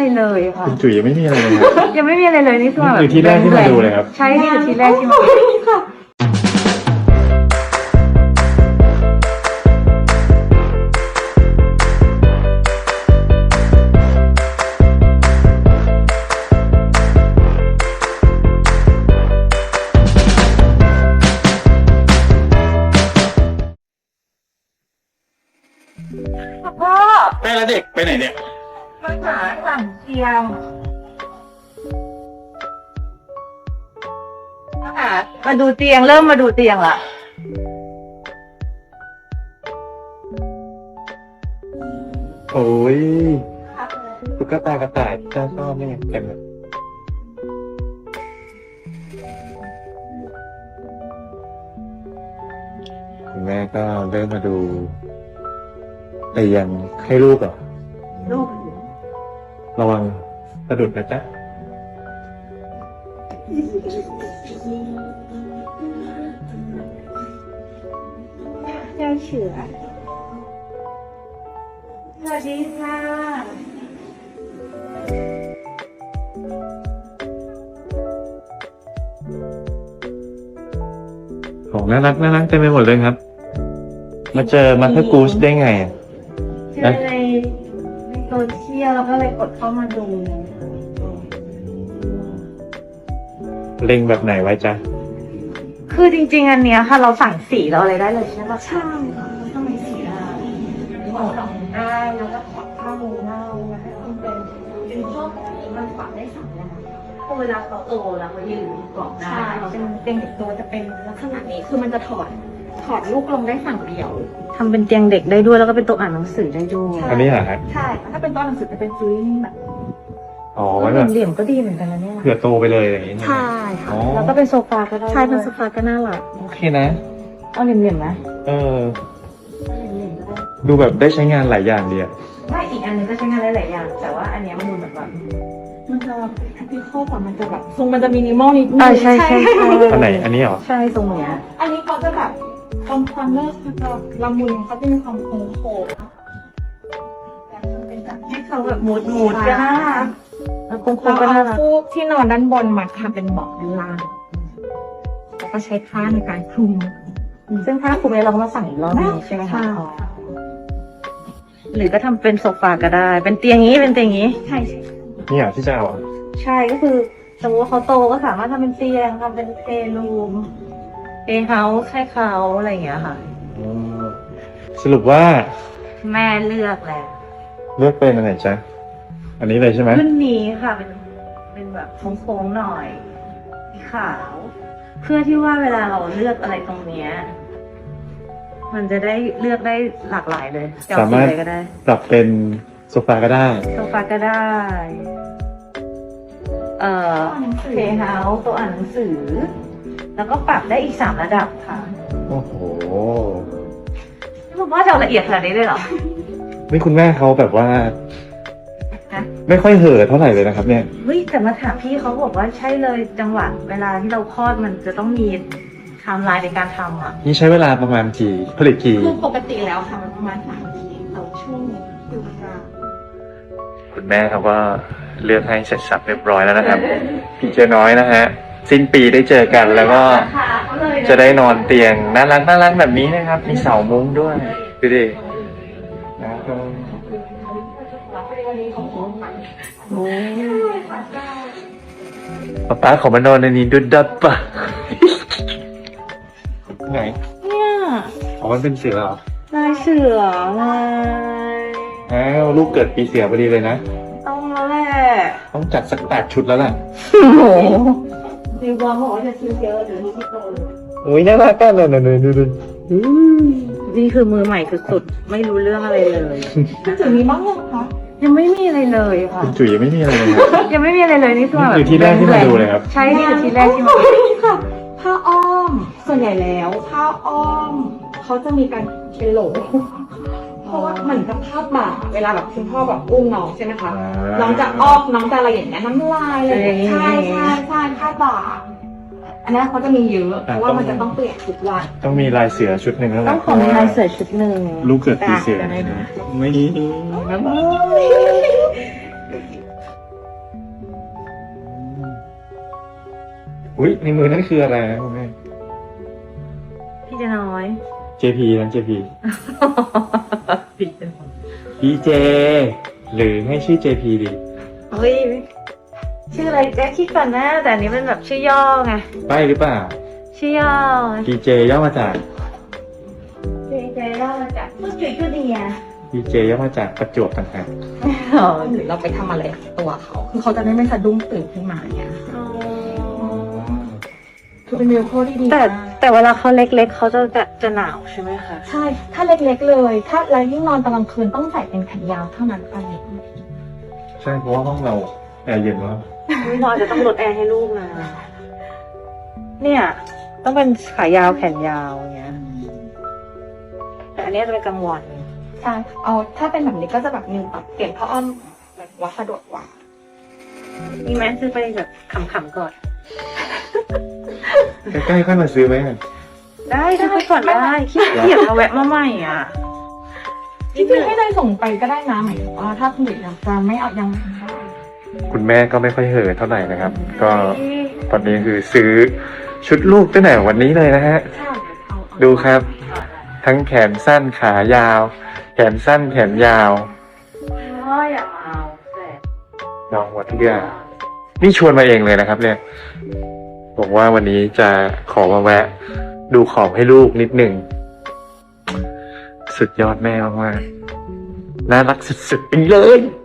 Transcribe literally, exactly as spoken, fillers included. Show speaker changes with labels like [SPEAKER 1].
[SPEAKER 1] อะไรเลยค่ะ
[SPEAKER 2] คุณจุ๋ยยังไม่มีอะไรเลยครับ
[SPEAKER 1] ยังไม่มีอะไรเลยนี่คือแบบ
[SPEAKER 2] นี่คือที่แรกที่มาดูเลยครับ
[SPEAKER 1] ใช่นี่คือที่แรกที่มาค่ะพ่อ
[SPEAKER 2] แม่และเด็กไปไหนเนี่ย
[SPEAKER 1] มาหาสั่งเตียงมาหามาดูเตียงเริ่มมาดูเตียงละ
[SPEAKER 2] โอ้ยตุ๊กตากระต่ายที่เจ้าชอบนี่ไงเต็มเลยคุณแม่ก็เริ่มมาดูเตียงให้ลูกเหรอ
[SPEAKER 1] ลูก
[SPEAKER 2] ระวังสะดุดนะจ๊ะ
[SPEAKER 1] เจ้าเฉือสวัสดีค่ะ
[SPEAKER 2] ของน่ารักน่ารักเต็มไปหมดเลยครับ มาเจอมาเธอร์กูชได้ไงอ่ะ
[SPEAKER 1] เจอในในโซเชียลแล้วก็เลยกดเข้ามาดู
[SPEAKER 2] เล็งแบบไหนไว้จ๊ะ
[SPEAKER 1] คือจริงๆอันเนี้ยค่ะเราสั่งสีเราอะไรได้เลยใช่ปะใช่ค่ะทำไมสีได้ขอดอกได้แล้วก็ขอดผ้ามือได้แล้วให้มันเป็นเป็นพวกมันฝังได้สองอย่างพอเวลาเขาโตแล้วเขายืนเกาะได้เป็นเตียงเด็กโตจะเป็นลักษณะนี้คือมันจะถอดถอดลูกลงได้ฝั่งเดียวทำเป็นเตียงเด็กได้ด้วยแล้วก็เป็นโต๊ะอ่านหนังสือได้ด้วย
[SPEAKER 2] อันนี้เหรอฮะ
[SPEAKER 1] ใช่ถ้าเป็นโต๊ะอ่านหนังสือจะเป็นซื้อแบบ
[SPEAKER 2] อ๋อไว้แบบ
[SPEAKER 1] เหลี่ยมๆก็ดีเหมือนกันนะเนี่ย
[SPEAKER 2] เผื่อโตไปเลยอย่างนี้ใช่ไหม
[SPEAKER 1] ใช่ค่ะ
[SPEAKER 2] อ๋อ
[SPEAKER 1] แล้วก็เป็นโซฟาก็ได้ใช่เป็นโซฟาก็น่ารัก
[SPEAKER 2] โอเคนะ
[SPEAKER 1] เอาเหลี่ยมๆไหม
[SPEAKER 2] เออ
[SPEAKER 1] เหลี่ยมๆก็ได้
[SPEAKER 2] ดูแบบได้ใช้งานหลายอย่างดีอะ
[SPEAKER 1] ไม่อีกอันหนึงก็ใช้งานได้หลายอย่างแต่ว่าอันเนี้ยมันดูแบบแบบมันจะแอปพลิคอลกว่ามันจะแบบทรงมันจะมินิมอลนิดนึงใช่ใช่ใช่
[SPEAKER 2] อันไหนอันนี้เหรอ
[SPEAKER 1] ใช่ทรงเนี้ยอันนี้เขาจะแบบความความเลิศเขาจะละมุนเขาจะมีความโค้งโค้งให้เขาแบบมูดมูดก็น่ารักแล้วโค้งโค้งก็น่ารักฟูกที่นอนด้านบนมาทำเป็นเบาะด้านล่างแล้วก็ใช้ผ้าในการคลุมซึ่งผ้าคลุมเนี่ยเราก็มาสั่งอีกรอบนึงใช่ไหมคะหรือก็ทำเป็นโซฟาก็ได้ เป็นเตียงนี้เป็นเตียงนี้ใช่ใช่
[SPEAKER 2] นี่เหรอที่จะเอาอ่ะ
[SPEAKER 1] ใช่ก็คือสมมติว่าเขาโตก็สามารถทำเป็นเตียงทำเป็นเพลย์รูมเพลย์เฮาส์ให้เขาอะไรอย่างเงี้ยค่ะ
[SPEAKER 2] อืมสรุปว่า
[SPEAKER 1] แม่เลือกแล้ว
[SPEAKER 2] เลือกเป็นอันไหนจ๊ะ อันนี้เลยใช่ไหม
[SPEAKER 1] รุ่นนี้ค่ะเป็นเป็นแบบโค้งๆหน่อยสีขาว เพื่อที่ว่าเวลาเราเลือกอะไรตรงเนี้ยมันจะได้เลือกได้หลากหลายเลยจะเอ
[SPEAKER 2] สามารถ
[SPEAKER 1] สีอะไรก็ได้
[SPEAKER 2] ปรับเป็นโซฟาก็ได้
[SPEAKER 1] โซฟาก็ได้ เอ่อเพย์เฮาส์ตัวอ่านหนังสือ แล้วก็ปรับได้อีกสามระดับค่ะ
[SPEAKER 2] โอ้โห
[SPEAKER 1] ผมว่าจะเอาละเอียดขนาดนี้เลยเหรอ
[SPEAKER 2] นี่คุณแม่เขาแบบว่า
[SPEAKER 1] ฮะ
[SPEAKER 2] ไม่ค่อยเห่อะเท่าไหร่เลยนะครับ เนี่ย
[SPEAKER 1] เฮ้ยแต่มาถามพี่เขาบอกว่าใช่เลยจังหวะเวลาที่เราคลอดมันจะต้องมีไทม์ไลน์ในการทำอ่ะ
[SPEAKER 2] นี่ใช้เวลาประมาณกี่ผลิตกี่
[SPEAKER 1] คือปกติแล้วค่ะมันประมาณสามนาทีต่อช่วงคือเวลา
[SPEAKER 2] คุณแม่เขาก็เลือกให้เสร็จสับเรียบร้อยแล้วนะครับ พี่เจน้อยนะฮะ สิ้นปีได้เจอกันแล้วก็จะได้นอนเตียงน่ารักน่ารักแบบนี้นะครับ มีเสามุ้งด้วยดูดินะครับป๊าป๊าขอมานอนในนี้ดุดดับปะไหน
[SPEAKER 1] เนี่ย
[SPEAKER 2] อ๋อมันเป็นเสือเหรอ
[SPEAKER 1] ลายเสือลาย
[SPEAKER 2] อ้าวลูกเกิดปีเสือพอดีเลยนะ
[SPEAKER 1] ต้องแล้วแหละ
[SPEAKER 2] ต้องจัดสักแปดชุดแล้วแหละ
[SPEAKER 1] โอ้โหดีบอลบอกว่าจะซื้อเยอะเดี๋ยวนี้ที่โตเลย
[SPEAKER 2] โอ้ยน่ารักกันเลยนะดูดู
[SPEAKER 1] นี่คือมือใหม่สุดๆไม่รู้เรื่องอะไรเลยจุดนี้บ้างยังคะยังไม่มีอะไรเลยค่ะ
[SPEAKER 2] คุณจุ๋ยยังไม่มีอะไรเลยครับ
[SPEAKER 1] ยังไม่มีอะไรเลยนี่คือแบบ
[SPEAKER 2] นี่คือที่แรกที่มาดูเลยครับ
[SPEAKER 1] ใช่นี่คือที่แรกที่มาดู
[SPEAKER 3] ค่ะผ้าอ้อมส่วนใหญ่แล้วผ้าอ้อมเขาจะมีการเป็นโหลเพราะว่าเหมือนกับภาพบ่าเวลาแบบคุณพ่อแบบอุ้มน้องใช่ไหมคะ
[SPEAKER 2] อ่า
[SPEAKER 3] น้องจะอ้อมน้องจะอะไรอย่างเงี้ยน้ำลายอะไรอย่างเงี้ยใช่ใช่ใช่ภาพบ่าอันนี้เขาจะมีเยอะเพราะว่ามันจะต้องเปลี่ยนทุกวัน
[SPEAKER 2] ต้องมีลายเสือชุดหนึ่งแล้วแหละ
[SPEAKER 1] ต้องขอมีลายเสือชุดหนึ่ง
[SPEAKER 2] ลูกเกิดปีเสือ
[SPEAKER 1] ได้ดู
[SPEAKER 2] ไม่อุ้ยในมือนั่นคืออะไรนะคุณแม่
[SPEAKER 1] พี่จะน้อย
[SPEAKER 2] เจ พี นั่น เจ พี
[SPEAKER 1] พี่จะน้อย
[SPEAKER 2] พี เจ หรือให้ชื่อ เจ พี ดี
[SPEAKER 1] เฮ้ยชื่ออะไรแจ๊คคิดก่อนนะแต่อันนี้มันแบบชื่อย่อไง
[SPEAKER 2] ไปหรือเปล่า
[SPEAKER 1] ชื่อย่อ
[SPEAKER 2] พี เจ ย่อมาจาก
[SPEAKER 1] เจเจย่อมาจากผู้จุ๋ยจุเดีย
[SPEAKER 2] พี เจ ย่อมาจากประจวบต่างหาก
[SPEAKER 3] หรือเราไปทำอะไรกับตัวเขา คือเขาจะได้ไม่สะดุ้งตื่นขึ้นมาเนี่ยคือเป็นมิวโคที่ดี
[SPEAKER 1] แต่
[SPEAKER 3] มาก
[SPEAKER 1] แต่เวลาเขาเล็กๆเขาจะจะจะหนาวใช่ไหมคะ
[SPEAKER 3] ใช่ ถ้าเล็กๆเลย ถ้าเรายิ่งนอนตอนกลางคืนต้องใส่เป็นแขนยาวเท่านั้นไป
[SPEAKER 2] ใช่เพราะว่าห้องเราแอร์เย็นมาก
[SPEAKER 1] ไม่นอนจะต้องลดแอร์ให้ลูกนะเนี่ย ต้องเป็นขายาวแขนยาวอย่างเงี้ยแต่อันเนี้ยจะเป็นกลางวัน
[SPEAKER 3] ใช่ เอาถ้าเป็นแบบนี้ก็จะแบบมิวปรับเปลี่ยนผ้าอ้อมแบบว่าสะดวกกว่า
[SPEAKER 1] มีไหมซื้อไปแบบขำๆก่อน
[SPEAKER 2] ใกล้ๆค่อยมาซื้อไหม
[SPEAKER 1] ได้ซื้อไปก่อนได้ขี้เกียจมาแวะมาใหม่อ่ะ
[SPEAKER 3] จริงๆให้เลยส่งไปก็ได้นะหมายถึงว่าถ้าคุณเด็กยังจะไม่เอายังไม่ได้
[SPEAKER 2] คุณแม่ก็ไม่ค่อยเห่อะเท่าไหร่นะครับ ก็ตอนนี้คือซื้อชุดลูกตั้งแต่วันนี้เลยนะฮะ
[SPEAKER 3] ใช่เอาเอา
[SPEAKER 2] ดูครับ ทั้งแขนสั้นขายาว แขนสั้นแขนยาว
[SPEAKER 1] พ่ออย่ามาเอาแต่
[SPEAKER 2] น้องหมดทุกอย่างนี่ชวนมาเองเลยนะครับ เนี่ยบอกว่าวันนี้จะขอมาแวะ ดูของให้ลูกนิดหนึ่งสุดยอดแม่มากๆน่ารักสุดๆไปเลย